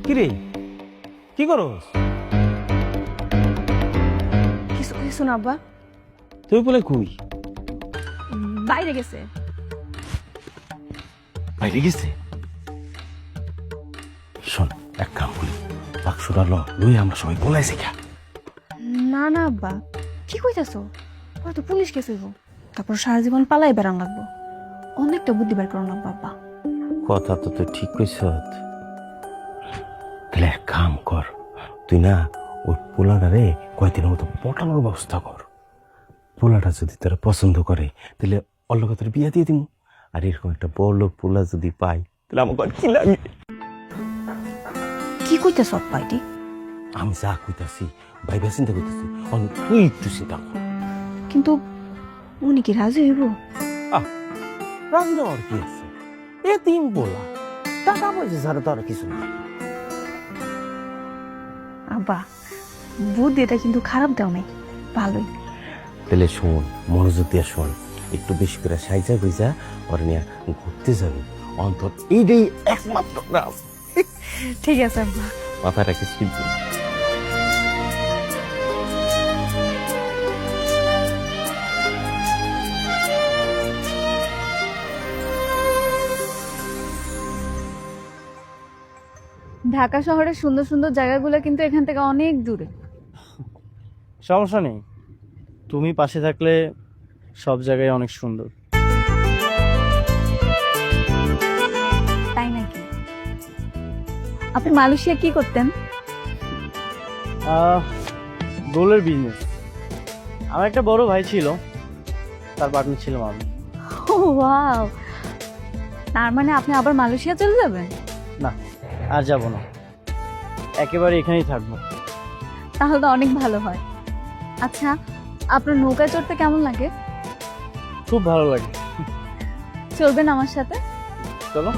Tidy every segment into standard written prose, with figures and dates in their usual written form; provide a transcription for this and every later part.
কিরে কি করস? কিছু কিছু না আব্বা, তুই বলে কই? বাইরে গেছে। বাইরে গেছে? শোন, এক কাম করি, বাক্সটা লই আমরা সবাই বলাইছি খা। না না আব্বা, কি কইতাছো? হয়তো পুলিশ কেস হইব, তারপর সারা জীবন পালাই বেড়ান লাগবো। অনেকটা বুদ্ধি বের করো লাগবো আব্বা। কথা তো তুই ঠিক কইস। তাহলে এক কাম কর, তুই না ওই পোলাটারে কয়েকদিনের মতো পটানোর ব্যবস্থা কর। পোলাটা যদি তারা পছন্দ করে তাহলে অল্লগ তোর বিয়া দিয়ে দিব। আর এরকম একটা বড় লোক পোলা যদি পাই তাহলে আমার কি লাগে? কি কইতাছো আব্বা এটি? আমি যা কইতাছি ভাইবা চিন্তা করতেছি, তুই একটু চিন্তা কর। কিন্তু উনি কি রাজি হইব? রাজি নেওয়ার কি আছে? এ তিন বলা টাকা পয়সা ছাড়া তো আর কিছু না। আব্বা, বুদ্ধিটা কিন্তু খারাপ দাও নাই, ভালোই। তাহলে শোন, মনোযোগ দিয়ে শোন, একটু বেশি করে সাইজা গুইজা ওর নিয়ে ঘুরতে যাবি। অন্তত এইটাই একমাত্র না, ঠিক আছে আব্বা। মাথা রাখিস কিন্তু। ঢাকা শহরের সুন্দর সুন্দর জায়গাগুলো কিন্তু এখান থেকে অনেক দূরে। সমস্যা নেই, তুমি পাশে থাকলে সব জায়গায় অনেক সুন্দর। তাই নাকি? আপনি মালয়েশিয়া কি করতেন? গোলের বিজনেস। আমার একটা বড় ভাই ছিল, তার পার্টনার ছিলাম আমি। ও ওয়াও, তার মানে আপনি আবার মালয়েশিয়া চলে যাবেন? না, আর যাব না, একেবারে এখানেই থাকবো। তাহলে তো অনেক ভালো হয়। আচ্ছা, আপনার নৌকায় চড়তে কেমন লাগে? খুব ভালো লাগে। চলবেন আমার সাথে? চলো।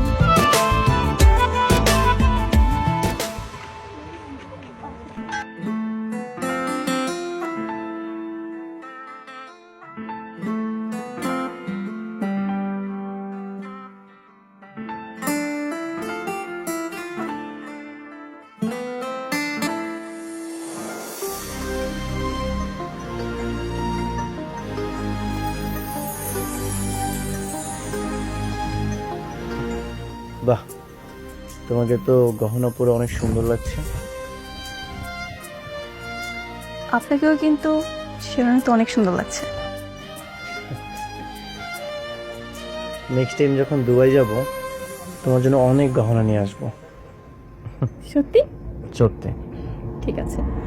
বাহ, তোমাকে তো গহনা পরে অনেক সুন্দর লাগছে। আপনাকেও কিন্তু সেখানে তো অনেক সুন্দর লাগছে। নেক্সট টাইম যখন দুবাই যাব তোমার জন্য অনেক গহনা নিয়ে আসবো। সত্যি? চড়তে। ঠিক আছে।